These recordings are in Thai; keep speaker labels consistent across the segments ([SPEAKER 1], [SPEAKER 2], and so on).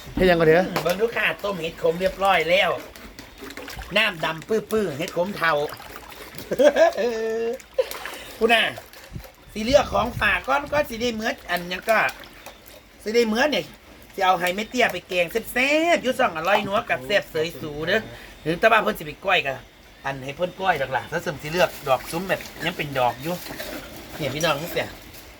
[SPEAKER 1] ให้ยังก็เถอะ
[SPEAKER 2] เบิ่งลูกค้าต้มเห็ดขมเรียบร้อยแล้วน้ำดำปื้อๆเห็ดขมเทาคุณน่ะสีเลือกของฝากก็สีได้เหมือนอันยังก็สีได้เหมือนเนี่ยจะเอาไฮเมเตียไปแกงแซ่บๆยุ่ส่องอร่อยนัวกับแซ่บเสยสูเด้อหรือตะบ้าเพิ่นสิไปก้อยกันอันให้เพิ่นก้อยหลักๆถ้าเสริมสีเลือกดอกซุ้มแบบยังเป็นดอกอยู่เนี่ยพี่น้องนี่เสีย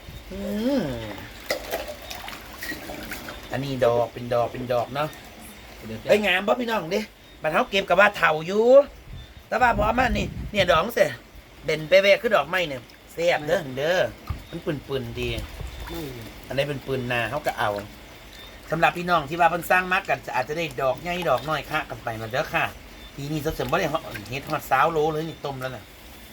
[SPEAKER 2] อันนี้ดอกเป็นดอกเนาะไอ้ยงามป่ะพี่น้องดิบัดเขาเก็บกับว่าเถาอยู่แต่ว่าพอมันนี่เนี่ยดอกเสียเด่นไปแวกคือดอกไม้เนี่ยแซ่บเด้อมันปืนดีอันนี้เป็นปืนนาเขาก็เอาสำหรับพี่น้องที่ว่าเพิ่นสร้างมักกันอาจจะได้ดอกใหญ่ดอกน้อยค่ะกันไปมาเด้อค่ะปีนี้เสริมบ่ได้เฮ็ดฮอด20 โลเลยนี่ต้มแล้วน่ะ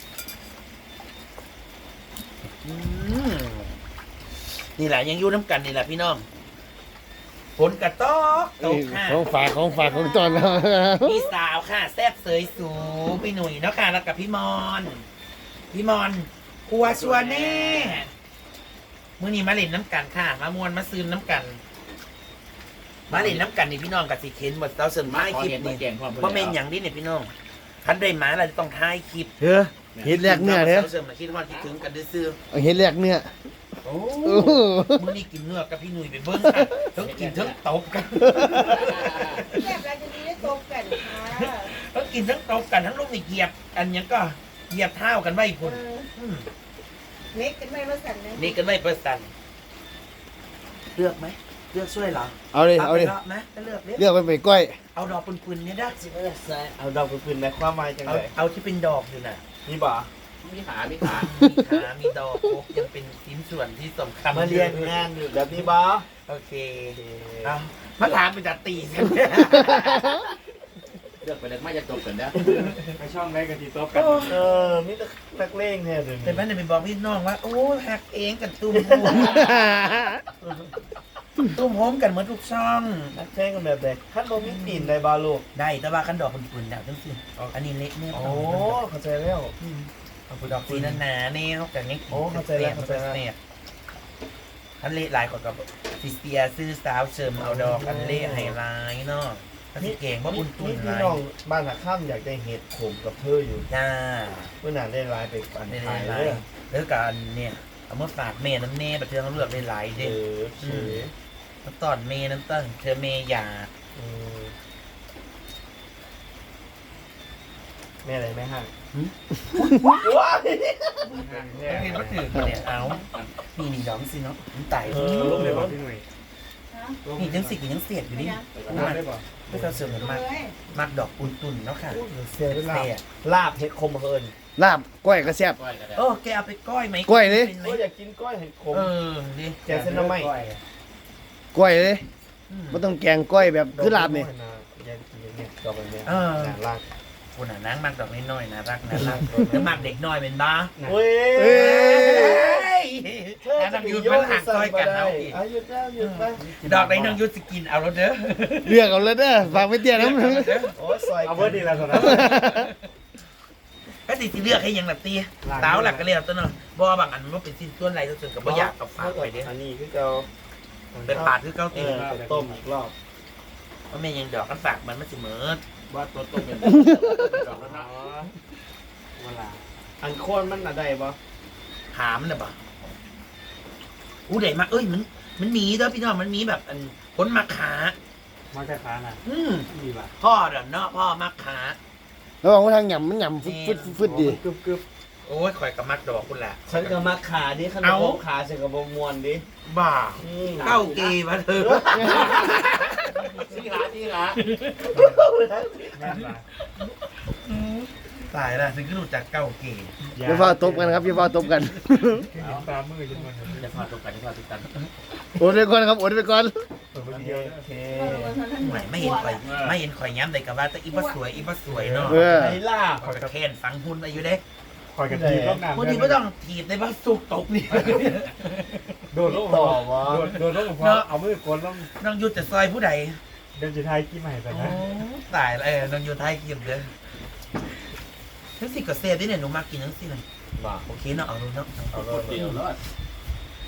[SPEAKER 2] นี่แหละยังอยู่น้ำกันนี่แหละพี่น้องฝนกระตอกตกค่ะ
[SPEAKER 1] ของฝากของตอนแล้ว
[SPEAKER 2] พี่สาวค่ะแซ่บเสยสูพี่หนุ่ยเนาะค่ะแล้วกับพี่มอนครัวชัวแน่มื้อนี้มาเล่นน้ำกันค่ะมามวนมาซื้อน้ำกันมาเล่นน้ำกันนี่พี่น้องกับสิเข็นหมดเราเสริมไม้คลิปนี่เพราะเมนอย่างนี้เนี่ยพี่น้องคันได้หมาเราจะต้องถ่ายคลิป
[SPEAKER 1] เถอะเห็ดแรกเนื้อเถอะ
[SPEAKER 2] เราเสริมมาคิดว่าคิดถึงกันได้ซื้อ
[SPEAKER 1] เห็ดแรกเนื้อ
[SPEAKER 2] โอ้มื้อนี้กินเนื้อกับพี่หนุ่ยไปเบิ้งค่ะทั้งกินทั้งตบกัน
[SPEAKER 3] แซ่บแล้วจะมีได้ตบกันค่ะ
[SPEAKER 2] ทั้งกินทั้งตบกันทั้งลูกนี่เหยียบอันยังก็เหยียบเท้ากันไว้พุ่น
[SPEAKER 3] เล็กกันไม่มาสั่นนะ
[SPEAKER 2] นี่กันไม่ประสันเลือกไหมเลือกช่วยเหรอ
[SPEAKER 1] เอาเลย
[SPEAKER 2] ไหมก็เลือกเลือก
[SPEAKER 1] เลือกไปก้อย
[SPEAKER 2] เอาดอกปืนๆเนี่ยได้
[SPEAKER 4] เอาดอกปืนๆในความหมายจังเลย
[SPEAKER 2] เอาที่เป็นดอกอยู่น่ะ
[SPEAKER 4] นี่บ่
[SPEAKER 2] มีขามีดอกครบยังเป็นชิ้นส่วนที่สำคัญ
[SPEAKER 4] มาเรียนงานอยู่แบบนี้บ่
[SPEAKER 2] โอเคเอามาถามเป็นจัดตีกัน
[SPEAKER 5] เลือกไปเลยไม่จะจบกันนะ
[SPEAKER 4] ไปช่องได้กันทีโต๊ะกันมีแต่นักเลงแท้เลย
[SPEAKER 2] แต่แม่เนี่ยไปบอกพี่น้องว่าโอ้หักเองกันตุ้มโฮมตุ้มโฮมกันเหมือนทุกช่อง
[SPEAKER 4] นักแข่งกันแบบใดขั้นบ่มีตีนได้บ่ลูก
[SPEAKER 2] ได้แต่ว่ากันดอกปืนๆแล้วจังสิอันนี้เล็กเนี่ย
[SPEAKER 4] โอ้เข้าใจแล้ว
[SPEAKER 2] เอาดอกสีหนาๆแนวแต่นี่
[SPEAKER 4] โอ้เข้าใจแล้วเข้าใจแล้ว
[SPEAKER 2] เนี่ยอันเละลายกว่ากับฟิสเตียซื้อสาวเชิมเอาดอกอันเละไฮไลท์เนาะอันนี้เก่งว่าบุญตุน
[SPEAKER 4] นี่
[SPEAKER 2] ไร
[SPEAKER 4] พี่น้องบ้านหักข้ามอยากได้เห็ดขมกับเธออยู่
[SPEAKER 2] จ้า
[SPEAKER 4] เมื่อนานได้ไลน์ไปปัน
[SPEAKER 2] ได้
[SPEAKER 4] ขาย
[SPEAKER 2] ไล
[SPEAKER 4] เลย
[SPEAKER 2] ท์แล้วกันเนี่ยเอามาฝากเมย์น้ำเน่ประเทืองเขาเลือกได้หลาย
[SPEAKER 4] เอ
[SPEAKER 2] เด้
[SPEAKER 4] อเฉย
[SPEAKER 2] มาตอนเมย์น้ำตั้งเธอเมย์อยาก
[SPEAKER 4] แม่อะไรแม่ห้าง
[SPEAKER 2] เห็นว่าถือเนี่ยเอานี่ดอกสิเนาะมันไต่
[SPEAKER 4] ลูกเลยบอกพี่หนุ่ย
[SPEAKER 2] นี่ยังสิกยังเสียดอยู่นี่ไม่ต้องเสริมมากมากดอกอุ่นตุนเนาะค่ะ
[SPEAKER 4] เสียลาบลาบเห็ดขมเฮิน
[SPEAKER 1] ลาบก้อยกระแซบ
[SPEAKER 5] ก้อยกันได้
[SPEAKER 2] โอ้แกเอาไปก้อยไหม
[SPEAKER 1] ก้อยเลย
[SPEAKER 4] ก็อยากกินก้อยเห็ดขม
[SPEAKER 2] ดิ
[SPEAKER 4] แกงเส้นน้ำไหม
[SPEAKER 1] ก้อยเลยไม่ต้องแกงก้อยแบบคือลาบนี่
[SPEAKER 4] อยากกินเนี่ยดอกแบบเนี้ยลาก
[SPEAKER 2] คนน่ะนางมากดอกน้อยๆนะรักนะรักแล้วมากเด็กน้อยเป็นบ้า
[SPEAKER 4] เฮ้
[SPEAKER 1] เอ้ย
[SPEAKER 2] แล้วนางยุทธมันหักซอยกันเอาอีก
[SPEAKER 4] หยุดแล้วหยุดไป
[SPEAKER 2] ดอกไหนนางยุทธสกินเอาแล้วเด้อ
[SPEAKER 1] เลือกเอาเลยเด้อฝากไม่เตี้ยน้ำ
[SPEAKER 4] โอ้ยซอยเอาเบอร์ดีแล้วนะ
[SPEAKER 2] ก็ติเลือกให้ยังหลับตีสาวหลักก็เรียกตัวเนาะบ่บางอันมันเป็นสิ้นส่วนไรตัวส่วนกับบ่อยากกับฝากไปเด้อ
[SPEAKER 4] อันนี้คือเรา
[SPEAKER 2] เป็นปาดคือเก้าตี
[SPEAKER 4] ต้มอีกรอบ
[SPEAKER 2] เพราะแม่ยังดอกกันฝากมันสิเหมือน
[SPEAKER 5] ว่าตัวต้มเป็นดอกแล้วนะ
[SPEAKER 4] เวลาอันโค่นมันอะไรบ่
[SPEAKER 2] หามน่ะบ่อู้ได้มาเอ้ยมันมีเด้อพี่น้องมันมีแบบอันพ้นมาขา
[SPEAKER 4] มาแค่ค้าน่ะดีป่ะ
[SPEAKER 2] พ่อเด้อเนาะพ่อมาขา
[SPEAKER 1] ระวังว่าทางหย่ำมันหย่ำฟึดดี
[SPEAKER 4] กึบกึบ
[SPEAKER 2] โอ้ยข่อยกับมักดอกคุณแหละ
[SPEAKER 4] ฉันก็มาขาดิขนมขาฉันก็บ่มวนดิ
[SPEAKER 2] บ้าเก้าเกย์มาเถอะ
[SPEAKER 5] ที่หาที่หา
[SPEAKER 2] ตายละถึงก็รู้จักเก้าเกย์
[SPEAKER 1] อย่าฟ้าตบกันครับอย่าฟ้าตบกัน
[SPEAKER 4] ตามือจนมัน
[SPEAKER 5] จะพาตกกันจะพาติดกัน
[SPEAKER 1] โอนไปก่อนครับโอนไปก่อน
[SPEAKER 4] โอเค
[SPEAKER 2] ไม่เห็นข่อยย้ำเลยกับว่าแต่อีบ้าสวยเนาะ
[SPEAKER 1] เออ
[SPEAKER 4] ไอ้ล่า
[SPEAKER 2] ข่อยกระแคนฝังหุ่นอายุเด้
[SPEAKER 4] คอยกันทีรอบน้ำ
[SPEAKER 2] พอดีไม่ต้องถีบในบ้าสุกตกนี่
[SPEAKER 4] โดนลงต่อวะโดนลงพอเอามือกดลง
[SPEAKER 2] น้องยุทธจะซอยผู้ใด
[SPEAKER 4] เดินจะทายกี่ใหม่ไป
[SPEAKER 2] โอ้
[SPEAKER 4] นะ
[SPEAKER 2] ตายแล้วน้องยุทธไทยกินเด้อทั้งสิกับเซฟได้เนี่ยหนูมากินทั้งสิเลย
[SPEAKER 4] บ้า
[SPEAKER 2] โอเคเนาะเอาดูเนาะ
[SPEAKER 4] เอาเล
[SPEAKER 5] เดียวย แล้ว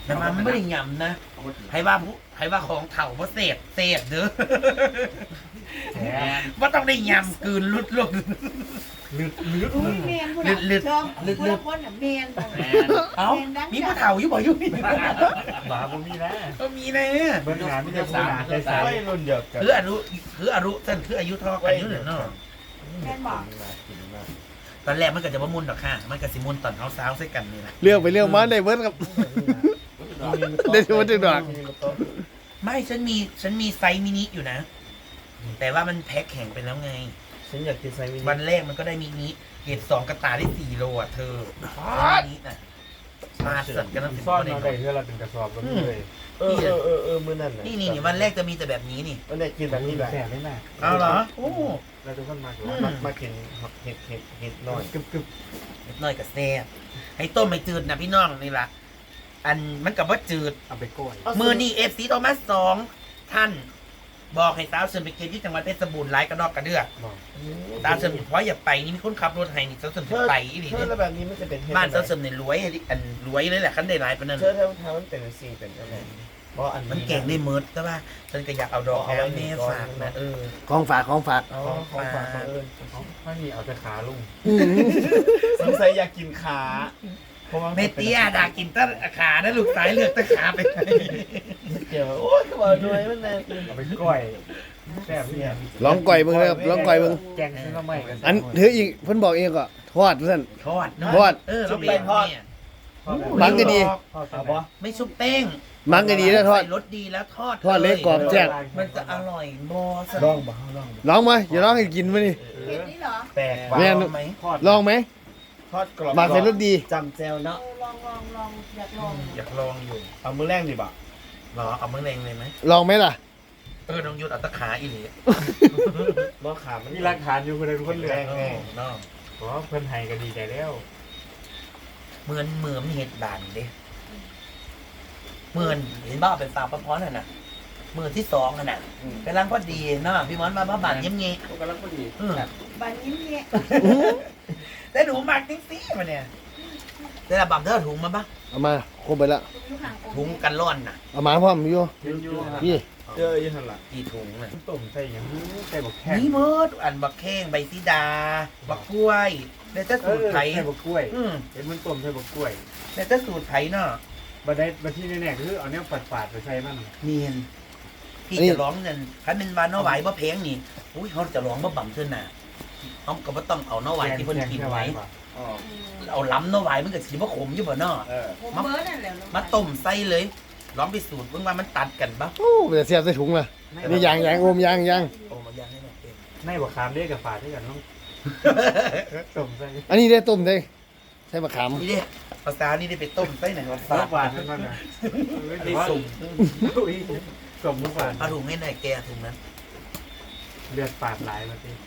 [SPEAKER 2] แต่มันไม่ได้ยำนะให้ว่าของเถ่าเพราะเสพเด้อ
[SPEAKER 4] แหม
[SPEAKER 2] ว่าต้องได้ยำกลืนลุด
[SPEAKER 4] ลึก
[SPEAKER 3] อุ้ยแมนผู้น่ะชอบผู้ละคนน่ะแมนบ่
[SPEAKER 5] แมน
[SPEAKER 2] เอ้ามีผู้เถ่าอยู่บ่อยู่นี่
[SPEAKER 4] หมาบ่มีนะ
[SPEAKER 2] ก็มีนะ
[SPEAKER 4] เบิ่งหาไม่ได้ผู้หนาใสๆ
[SPEAKER 1] ไม่รุ่นเดียวกัน
[SPEAKER 2] คืออายุท่านคืออายุเท่ากันอยู่เนาะ
[SPEAKER 3] แมนบอก
[SPEAKER 2] ตอนแรกมันก็จะว่ามุนหรอกค่ะมันก็สิมุนตอนเช้าใส่กันนี่แหละ
[SPEAKER 1] เลือกไปเลือกมาได้เบิร์ดครับ ได้ที่วัดจึงดอก
[SPEAKER 2] ไม่ฉันมีไซส์มินิอยู่นะ แต่ว่ามันแพ็คแข็งไปแล้วไง
[SPEAKER 1] ฉันอยากกินไซมิ
[SPEAKER 2] วันแรกมันก็ได้มินิเกรด2กระตาได้4 โลอ่ะเธอมินิน่ะมาสัตว์กันตั้ง
[SPEAKER 4] ซ่อน
[SPEAKER 2] 10
[SPEAKER 4] เอาได้เพื่อเราเป็นกระสอบก็มีเลย
[SPEAKER 1] มื้อนั้นน่ะ
[SPEAKER 2] นี่วันแรกจะมีแต่แบบนี้นี่
[SPEAKER 1] วันนี้กินแบบนี้แหละ
[SPEAKER 4] แสบได้ไหม
[SPEAKER 2] เอาเหรอโอ้
[SPEAKER 4] เราทุกคนมาดู
[SPEAKER 1] มากินเห็ดน้อย
[SPEAKER 4] กึบ
[SPEAKER 2] เล็กน้อยกับแซ่บให้ต้มไม่จืดนะพี่น้องนี่ล่ะอันมันกับว่าจืด
[SPEAKER 4] เอาไปกล้วย
[SPEAKER 2] มือนี่FCโทมัส2ท่าน บอกให้สาวเชิญไปเก็บที่จังหวัดเพชรบูรณ์ไร้กระดอกกระเดือก
[SPEAKER 4] บอก
[SPEAKER 2] สาวเชิญเพราะอย่าไปนี่มีคนขับรถให้นี่สาวเชิญไปอีหลี
[SPEAKER 1] เธอ
[SPEAKER 2] เนี่ย
[SPEAKER 1] แล้วแบบนี้มันจะเป็นเห็ด
[SPEAKER 2] บ้านสาวเชิญเนี่ยรวยอันรวยเลยแหละคันได้หลายปานนั้น
[SPEAKER 1] เธอทำมันเป็นสีเป็นอะไรเพราะอัน
[SPEAKER 2] มันเก่งได้เมิดแต่ว่าฉันก็อยากเอาดอกเอาไว้แม่ฝากนะ
[SPEAKER 1] ของฝากของฝาก
[SPEAKER 2] ของฝาก
[SPEAKER 4] ไม่มีเอาแต่ขาลุง
[SPEAKER 1] สงสัยอยากกินขาเพราะว่า
[SPEAKER 2] เมเตียดากินตะขานะลูกสายเลือกตะขาไป
[SPEAKER 1] เกี่ยวโอ้ยก็บอกด้วยมันน่ากิน
[SPEAKER 4] เอาไปกล้วยแซ่บเนี่ย
[SPEAKER 1] ลองก่อยมึงเลยครับลองก่อยมึง
[SPEAKER 4] แกงซื้อมาใหม่กัน
[SPEAKER 1] อันถืออีกเพิ่นบอกเองก็ทอดเพื่อน
[SPEAKER 2] ทอดเนาะ
[SPEAKER 1] ทอด
[SPEAKER 2] เราเป็นทอด
[SPEAKER 1] มังก็ดี
[SPEAKER 4] เอาปะ
[SPEAKER 2] ไม่ชุบแป้ง
[SPEAKER 1] มังก็ดีแล้วทอด
[SPEAKER 2] ใส่รสดีแล้วทอด
[SPEAKER 1] ทอดเล็กกรอบแซ่บ
[SPEAKER 2] มันจะอร่อยบอส
[SPEAKER 1] ลองมาอย่าลองให้กินมาดิ
[SPEAKER 3] เห็ดนี่เหรอ
[SPEAKER 1] แปลก
[SPEAKER 2] แม่
[SPEAKER 1] แม่
[SPEAKER 2] ไหม
[SPEAKER 4] ทอด
[SPEAKER 1] ลองไหม
[SPEAKER 5] ทอดกรอบ
[SPEAKER 1] มาใส่รสดี
[SPEAKER 5] จำแจวเนาะ
[SPEAKER 3] ลองอยากลอง
[SPEAKER 2] อยากลองอยู่
[SPEAKER 5] เอามือแรงดิบ่ะ
[SPEAKER 2] รอเอามือแรงเลยไหม
[SPEAKER 1] ลองไหมล่ะ
[SPEAKER 2] น้องยุทธเอาตะขาอีหลี
[SPEAKER 5] บ่ขามัน
[SPEAKER 4] มีหลักฐานอยู่คนใดคนเหลือ
[SPEAKER 2] เนาะ
[SPEAKER 4] ขอเพิ่นให้ก็ดีใจแล้ว
[SPEAKER 2] เหมือนเห็ดบานเด้เหมือนเห็นบ้าเป็นสาวประพรน่ะนะมือที่2น่ะนะกำลังพอดีเนาะพี่มอนมาบ้าบานเยี่ยมเงี้ย
[SPEAKER 5] กำลังพอดี
[SPEAKER 3] บันยิ้มเนี่ย
[SPEAKER 2] แต่หนูมักจริงๆมาเนี่ยแต่ละบัมเธอถุงมาปะ
[SPEAKER 1] เอามาครบไปแล้ว
[SPEAKER 3] อยู่ห่าง
[SPEAKER 2] ถุงกันร้อนน่ะ
[SPEAKER 1] เอามาพร้อมอยู่
[SPEAKER 4] ยืนอยู่
[SPEAKER 1] พี่
[SPEAKER 5] เจออยู่หั่นล่ะ
[SPEAKER 2] กี่ถุงน่ะ
[SPEAKER 4] ต้มใส่อย่างนี้ใส่บักแข้ง
[SPEAKER 2] นี่เมิดอันบักแข้งใบซีดา บักกล้วยแล้วจะสูตรไผ่
[SPEAKER 4] ใส่บักกล้วย
[SPEAKER 2] อืม
[SPEAKER 4] เห็นมันต้มใส่บักกล้วย
[SPEAKER 2] แล้วจะสูตรไผ่เนาะ
[SPEAKER 4] บัดที่แน่ๆคือเอาเนี้ยปาดๆไปใส่มัน
[SPEAKER 2] เนียนพี่จะร้องนั่นคันเป็นวานน้อไหวบ่เพลงนี่อุ้ยเขาจะร้องบ่บั่มเท่าน่ะเขาก็บ่ต้องเอาน้อไหวที่เพิ่นกินไว้
[SPEAKER 5] อ๋อ
[SPEAKER 2] เอาล้ำน้อไหวมันก็สิบ่ขมอยู่บ่เนาะ
[SPEAKER 3] ผมเบิร์ดนั่นแหละ
[SPEAKER 2] มาต้มใส่เลยลองไปสูตรเบิ่งว่ามันตัดกันบ่
[SPEAKER 1] โอ้แต่เสียบใส่ถุงล่ะนี่ยางโอมยาง
[SPEAKER 2] โอ้มาย่างให้หน่อยเอง
[SPEAKER 4] ในบักขามเรียกกับฝาดด้วยกันต้องต้มใส่
[SPEAKER 1] อันนี้ได้ต้มได้ใส่มะขาม
[SPEAKER 2] นี่ดิภาษานี่ได้ไปต้มใส่ไหนว่า
[SPEAKER 4] ฝา
[SPEAKER 2] ซา
[SPEAKER 4] ดฝาดทั้งนั้นนะ
[SPEAKER 2] ได้สุ่ม
[SPEAKER 4] สุ่มฝาด
[SPEAKER 2] เอาถุงให้หน่อยแกถุงนั้น
[SPEAKER 4] เลือดปาดหลายมาสิ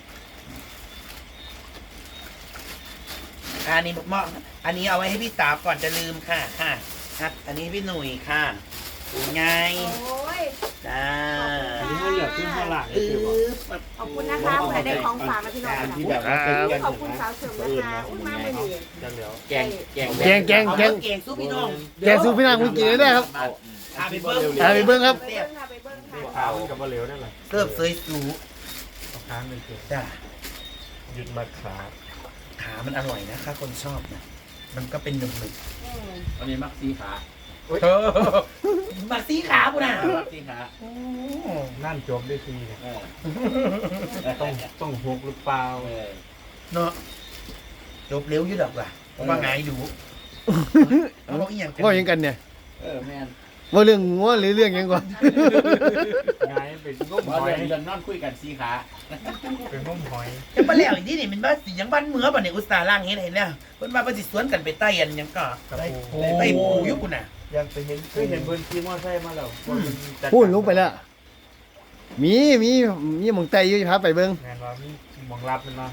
[SPEAKER 2] อันนี้เหมาะอันนี้เอาไว้ให้พี่สาวก่อนจะลืมค่ะครับอันนี้พี่หนุ่ยค่ะไง
[SPEAKER 3] โอ้ย
[SPEAKER 2] จ้า
[SPEAKER 4] อันนี้เหลือขึ้นข้างหลัง
[SPEAKER 2] อื
[SPEAKER 4] คือว่า
[SPEAKER 2] อ
[SPEAKER 3] ขอบคุณนะคะผู้ใดได้ของฝากมาพี่น้อง
[SPEAKER 5] การ
[SPEAKER 3] นะ
[SPEAKER 5] ที่แบบว่าเป็นกัน
[SPEAKER 3] ขอบคุณสาวเสริมนะคะอุ้ยมาไม่ดี
[SPEAKER 4] จังเหลียว
[SPEAKER 5] แกง
[SPEAKER 1] แกง
[SPEAKER 2] เอาเก่งสู้พี่น้อง
[SPEAKER 1] แกงสู้พี่นางคุณกินได้ครับ
[SPEAKER 2] พาไปเบิ้ง
[SPEAKER 1] พาไปเบิ่งครับ
[SPEAKER 3] ไปเบิ้งค่ะไปเบิ้งค่ะ
[SPEAKER 4] ขาวกับมะเหลวนั่นแหละ
[SPEAKER 2] เสิร์ฟเสยสู
[SPEAKER 4] เอาค้างเลยเกิน
[SPEAKER 2] จ้า
[SPEAKER 4] หยุดมาขา
[SPEAKER 2] ขามันอร่อยนะคะคนชอบนะมันก็เป็นหนึ่ง
[SPEAKER 5] อันนี้มักสีขา
[SPEAKER 2] เออมาซีขาปุ่นน่ะ
[SPEAKER 5] มักสีขา
[SPEAKER 2] โอ้
[SPEAKER 4] นั่นจบได้ทีเนี่ย
[SPEAKER 5] เออ
[SPEAKER 4] ต้องหกหรือเปล่า
[SPEAKER 5] เออ
[SPEAKER 2] เนาะจบเร็วอยุ่ดอกว่ะว่าไงดูเอาอีหยังกัน
[SPEAKER 1] ว่าอย่างกันเนี่ย
[SPEAKER 5] เออแม่น
[SPEAKER 1] ว่าเรื่องงัวหรือเรื่องหยังก่อน
[SPEAKER 4] ไงเป็นง้ม
[SPEAKER 5] บ่
[SPEAKER 4] หอย
[SPEAKER 5] เดินนอนคุยกันสีขา
[SPEAKER 4] เป็นง้มหอย
[SPEAKER 2] จะมาแล้วอีกที่นี่มันบ้านสิยังบ้านเมืองป่ะเนี่ยอุตสาห์ล่างเฮ็ดให้แล้วเพิ่นว่าเพิ่นสิสวนกันไปใต้อันหยังก็ใต้ปูอยู่ปุ่นน่ะ
[SPEAKER 1] อยากไปเห็น
[SPEAKER 4] เคยเห็นเพื่อนขี่มอเตอร์ไซค์มาแล้ว
[SPEAKER 1] พูดลงไปแล้วมีหมองไตอยู่พาไปเบิ่ง
[SPEAKER 4] งานว่ามีมองรับมันมา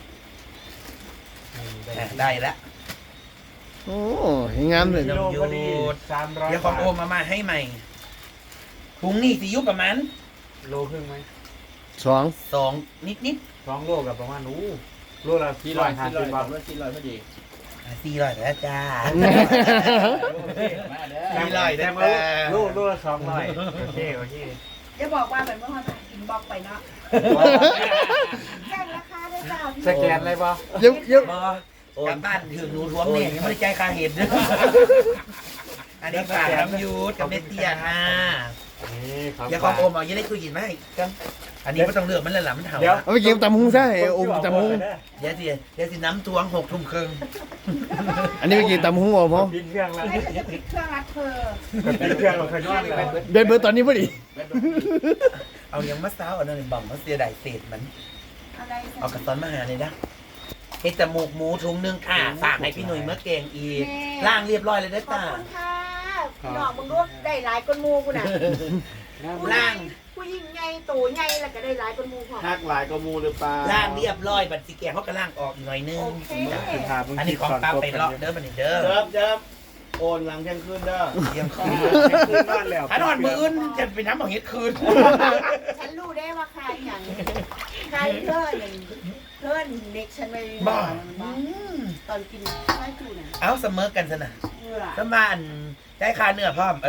[SPEAKER 2] ได้ละ
[SPEAKER 1] โอ้เห็นงามเลย
[SPEAKER 4] กิโลพอดี300
[SPEAKER 2] เดี๋ยวของโอมมาให้ใหม่ถุงนี่สิอยู่ประมาณ
[SPEAKER 4] โลครึ่งไหม
[SPEAKER 1] 2
[SPEAKER 2] 2นิด
[SPEAKER 4] 2 โลกับประมาณโลละ
[SPEAKER 5] 400
[SPEAKER 4] 450 บาท
[SPEAKER 5] 400พอดี
[SPEAKER 2] 400แล้วจ้า
[SPEAKER 5] มาเด้อ
[SPEAKER 2] 400แล้วจ้า
[SPEAKER 4] ลูกละ200โอเคโอเค
[SPEAKER 3] จะบอกว่าเป็นเมื่อวานอินบ็อกไปเนาะแจ้งราคาได้จ้า
[SPEAKER 4] สแกนอะไรบ่
[SPEAKER 1] เยอะเยอะ
[SPEAKER 2] กลับบ้านถึงหนูท้วงเนี่ยยังไม่ได้ใจายค่าเห็ดด้วยอันนี้ฝากน้ำยูดกับเนตเตียค่ะ
[SPEAKER 4] นี่ครับ
[SPEAKER 2] อย่าความโอมเอายังได้คุยกินไหมกันอันนี้ไม่ต้องเลือกมันเลยหล่ะมันเห่า
[SPEAKER 4] เดี๋ยว
[SPEAKER 1] เอาไปเก็บตำหุงซะไอ้อมตำหุง
[SPEAKER 2] เดี๋ยวสิน้ำทวง6 ทุ่มครึ่ง
[SPEAKER 1] อันนี้ไปกินตำหุงบ่พ่อ
[SPEAKER 4] ปิดเครื่องแล้ว
[SPEAKER 3] ไม่จะปิดเครื่องรัดเธอ
[SPEAKER 4] ปิดเครื่องเราเคยนอนแล้ว
[SPEAKER 1] เดินเบอร์ตอนนี้พอดี
[SPEAKER 2] เอายังมะซ้าวอันนั้นบ่มมาเสียดายเศษมัน
[SPEAKER 3] อะไร
[SPEAKER 2] เอากระตอนมาหาเลยนะเฮ็ดจมูกหมูถุงนึงค่ะฝากให้พี่หนุ่ยเมื่อเกงอีกล่างเรียบร้อยเลยนะ
[SPEAKER 3] ขอบ
[SPEAKER 2] จ้า
[SPEAKER 3] คุณค่ะดอกมึงรู้ได้หลายก้นมูกูน่ะ
[SPEAKER 2] ล่าง
[SPEAKER 3] ผู้หญิงไงโตไงแล้วก็ได้หลายก้นมูพอ
[SPEAKER 5] หักหลายก็มูหรือเปล่า
[SPEAKER 2] ล่างเรียบร้อยบัดสิแกงเขาก็ล่างออกอีกหน่อยนึง
[SPEAKER 3] โอเค
[SPEAKER 2] อันนี้ของป้าไปเลาะเด้อบัดนี้เด้อ
[SPEAKER 5] เดิมโอนหลังเที่ยงคืนเด้อ
[SPEAKER 2] เตรียมคืน
[SPEAKER 4] คืนนอนแล้ว
[SPEAKER 2] ถ้านอนมื้ออื่นจะไปน้ำของเฮ็ดคืน
[SPEAKER 3] ฉันรู้ได้ว่าใครอย่างใครเพื่อนอย่างเพื่อนเด็กฉันไปตอนกินข้าวจูน่ะ
[SPEAKER 2] เอาเสมอกันซะนะ
[SPEAKER 3] เมื่อ
[SPEAKER 2] สมานได้ค่าเนื้อพร้อม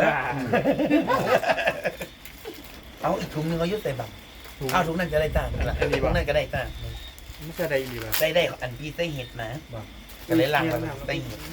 [SPEAKER 2] เอาอีกถุงนึงเอายุดใส่บังเอาถุงนั้นจะได้ต่างกันละถุงนั้นก็ได้ต่าง
[SPEAKER 4] ไม่ใช่ได้ดีป่ะ
[SPEAKER 2] ได้อันพี่ใส่เห็ดนะก็เลยล้างไปใส่เห็ด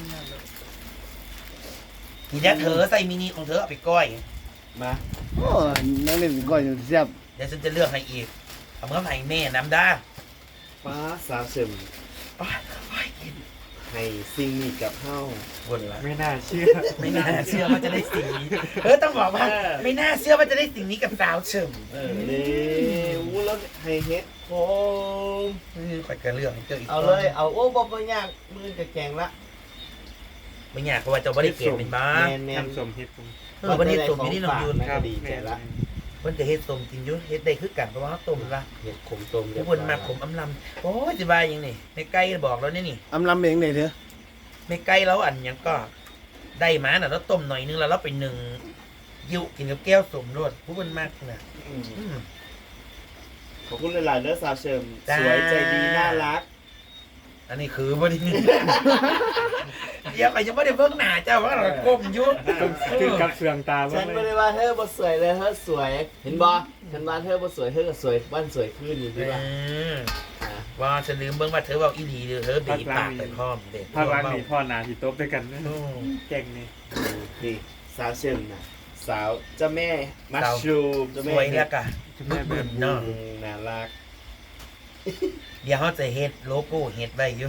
[SPEAKER 2] ทีนี้เธอใส่มินิของเธอเอาไปก้อย
[SPEAKER 5] มา
[SPEAKER 1] โอ้นั่งเล่นก้อยอยู่แซ่บ
[SPEAKER 2] เดี๋ยวฉันจะเลือกให้อีกเอาเมื่อไหร่แม่น้ำได้
[SPEAKER 5] ป้าสาวเสริม
[SPEAKER 2] โอ้ยกิน
[SPEAKER 5] ให้สิ่งนี้กับเฮา
[SPEAKER 2] วนละ
[SPEAKER 4] ไม่น่าเชื่อ
[SPEAKER 2] ไม่น่าเชื่อว่าจะได้สิ่งนี้ต้องบอกว่าไม่น่าเชื่อว่าจะได้สิ่งนี้กับสาวเฉิม
[SPEAKER 5] นี่อู้แล้วให้เฮ็ดโคม
[SPEAKER 2] ข่อยก็เลือกให้เจออีก
[SPEAKER 5] เอาเลยเอาโอ้บ่ยากมือจะแกงละ
[SPEAKER 2] ไม่อยากเพราะว่าเจ้าบริเกตเป็นบ้า
[SPEAKER 5] แม่น
[SPEAKER 4] น้ำส้มเฮ็ดผม
[SPEAKER 2] วันนี้ต้มอยู่นี่น้องยูน
[SPEAKER 5] ครับดีใจละ
[SPEAKER 2] มันจะเฮ็ดต้มจริงอยุ่เฮ็ดได้คือกันเพราะว่าต้มละ
[SPEAKER 5] เฮ็ดขมต้ม
[SPEAKER 2] ทุกคนมาขมอำลำโอ้ยจะบายยังนี่ในไก่บอกแล้วนี่
[SPEAKER 1] อำลำเองเลยเถอะ
[SPEAKER 2] ในไก่แล้วอันยังก็ได้มาน่ะแล้วต้มหน่อยนึงแล้วเราไปหนึ่งยิ้วกินกับแก้วสมรสผู้คนมากนะ
[SPEAKER 5] ขอบคุณหลายๆเด้อสาวเสริม
[SPEAKER 2] จ้า
[SPEAKER 5] สวยใจดีน่ารัก
[SPEAKER 2] อันนี้คือบ่ดีเดี๋ยวไปยังไม่ได้เบิ่งหน้าเจ้าว่าเราก้มอยู่
[SPEAKER 4] ถึงกับเสื่องตา
[SPEAKER 5] ฉันไม่ได้ว่าเธอบ่สวยเลยเธอสวย เห็นบ่ฉันว่าเธอบ่สวยเธอก็สวยวันสวยขึ้นอยู่ดีว่า
[SPEAKER 2] ว่าฉันลืมเบิ่งว่าเธอเว้าอีหลีเด้อเธอบีบปากไปพร้อมเด็ก
[SPEAKER 4] ภาคหลังนี่พ่อนาที่โต๊ะด้วยกันนะ
[SPEAKER 2] อืม
[SPEAKER 4] เก่งนี่
[SPEAKER 5] นี่สาวเชิมนะสาวเจ้าแม่มัชชูมเจ้า
[SPEAKER 2] ส
[SPEAKER 5] แม่
[SPEAKER 2] วยแล้วกะ
[SPEAKER 4] แม่แบบ
[SPEAKER 2] เนาะ
[SPEAKER 5] น่ารัก
[SPEAKER 2] เดี๋ยวเขาจะเฮ็ดโลโก้เฮ็ดไว้อยู่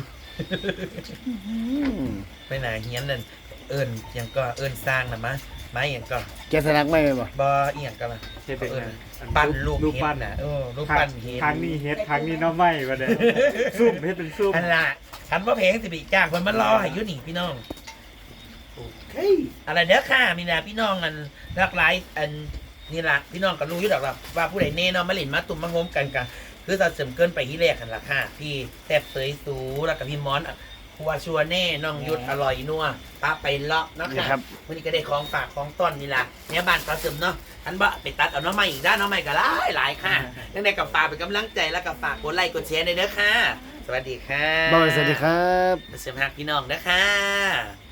[SPEAKER 2] ไปไหนเฮียนนั่นเอิ้นหยังก็เอิ้นสร้างน่ะมะไม้หยังก็
[SPEAKER 1] แกสลักไม่ไหมบ่
[SPEAKER 2] บ่อีหยังก็ล่ะ
[SPEAKER 4] เฮ็ดเป็น
[SPEAKER 2] เอิ้น
[SPEAKER 4] นะ
[SPEAKER 2] ปั้นรูป
[SPEAKER 4] รูป
[SPEAKER 2] เฮ็
[SPEAKER 4] ปั้
[SPEAKER 2] ด
[SPEAKER 4] น
[SPEAKER 2] น่ะรูปปั้นเฮ็ด
[SPEAKER 4] ครั้งนี้เฮ็ดครั้งนี้น้องไม่มาเด้ซุ่มเฮ็ดเป็นซุ่ม
[SPEAKER 2] อันน่ะคันว่าเพลงสิไปจ้างเพิ่นมารอให้อยู่นี่พี่น้อง
[SPEAKER 5] เฮ้ย
[SPEAKER 2] อะไรเด้อค่ะมีนะพี่น้องอันหลากหลายอันนี่ล่ะพี่น้องก็รู้อยู่ดอกล่ะว่าผู้ใดแน่เนาะมาเล่นมาตุ่มมาโฮมกันกะคือเราเสริมเกินไปที่แรกกันล่ะค่ะพี่แซ่บเสยสูแล้วก็พี่มอนครัวชัวแน่น้องยุดอร่อยนัวป้าไปเลาะเนาะ
[SPEAKER 1] นี่
[SPEAKER 2] ค่ะ
[SPEAKER 1] ครับ
[SPEAKER 2] วันนี้ก็ได้ของฝากของต้นนี่ล่ะเนี่ยบ้านปลาเสริมเนาะอันบะไปตัดเอาน้องใหม่อีกด้านน้องใหม่ก็หลายค่ะยังไงกับฝากเป็นกำลังใจแล้วก็ฝากกดไลค์กดแชร์ด้วยเด้อค่ะ สวัสดีค่ะ
[SPEAKER 1] บอยสวัสดีครับ
[SPEAKER 2] เสริมหักพี่น้องเด้อค่ะ